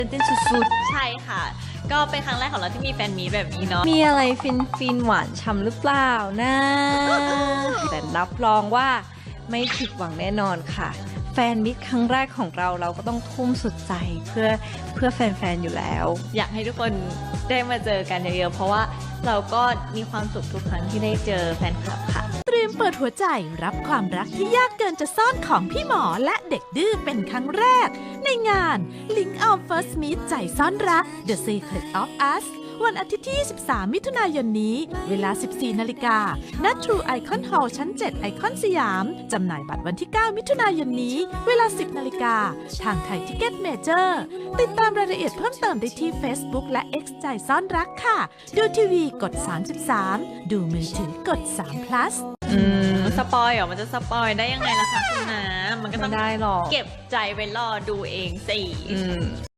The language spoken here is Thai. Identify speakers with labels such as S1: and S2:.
S1: ตื่นเต้นสุด
S2: ใช่ค่ะ ก็เป็นครั้งแรกของเราที่มีแฟนมีตแบบนี้เนาะ
S1: ๆมีอะไรฟินหวานช่ำหรือเปล่านะ แต่รับรองว่าไม่ผิดหวังแน่นอนค่ะ แฟนมิตรครั้งแรกของเราก็ต้องทุ่มสุดใจเพื่อแฟนๆอยู่แล้ว
S2: อยากให้ทุกคนได้มาเจอกันเยอะๆเพราะว่าเราก็มีความสุขทุกครั้งที่ได้เจอแฟนคลับค่ะ
S3: เตรียมเปิดหัวใจรับความรักที่ยากเกินจะซ่อนของพี่หมอและเด็กดื้อเป็นครั้งแรก ในงาน Link of First Meet ใจซ่อนรัก The Secret of Us วันอาทิตย์ที่ 23 มิถุนายนนี้ เวลา 14 นาฬิกาณ True Icon Hall ชั้น 7 ไอคอนสยาม จำหน่ายบัตรวันที่ 9 มิถุนายนนี้ เวลา 10 นาฬิกาทางไทยทิเก็ตเมเจอร์ติดตามรายละเอียดเพิ่มเติมได้ที่ Facebook และ X ใจซ่อนรักค่ะ ดูทีวีกด 33 ดูมือถือกด3 plus
S2: สปอยเหรอมันจะสปอยได้ยังไงล่ะคะคุณน้ำมันก็ต้
S1: ไม่
S2: อง
S1: ได้หรอก
S2: เก็บใจไว้รอดูเองสิ